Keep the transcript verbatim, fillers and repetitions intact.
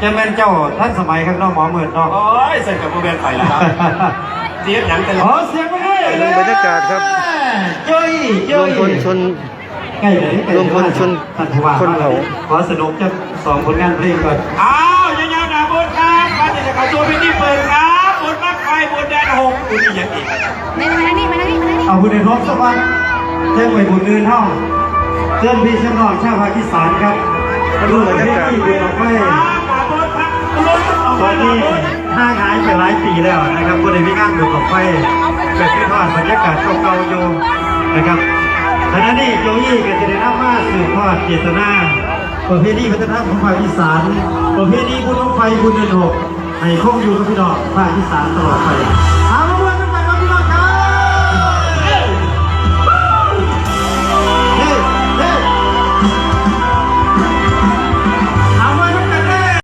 จะเป็นเจ้าท่านสมัยข้างนอกหมอเหมือนเนาะโอ้ยเสร็จกับโมเบลไฟแล้วครับเสียงหนังกันขอเสียงไปเลยบรรยากาศครับจ้อยรจ้อวย มพลชนใกล้เลยใกล้รวมพลชนท่านผู้ว่าคนเผาขอสนุกจะสองผลงานเพลงก่อนอ้าวยาวๆนะบนครับมาจะเข้าตัวพิธีเปิดครับบนมากไฟบนแดนหกคุณนี่ยังอีกมาทางนี้มาทางนี้มาทางนี้เอาบุญในรถสักวันเท่งไว้บุญเดินเท่าเพื่อนพี่เชื่อมน้องชาวภาคอีสานครับดูบรรยากาศที่บุญออกไปบนครับบนออกตมาอนบนี้นห้างหายไปหลายปีแล้วนะครับบุญในวิงานบุญออกไปเกิดขึ้นทอดบรรยากาศเก่าๆอยู่นะครับขณะนี้โยยี่ก็จะได้นำมาสืบทอดเจตนาประเพณีวัฒนธรรมของภาคอีสานประเพณีบุญบั้งไฟบุญเดือนหกให้คงอยู่กับพี่น้องภาคอีสานตลอดไปเอา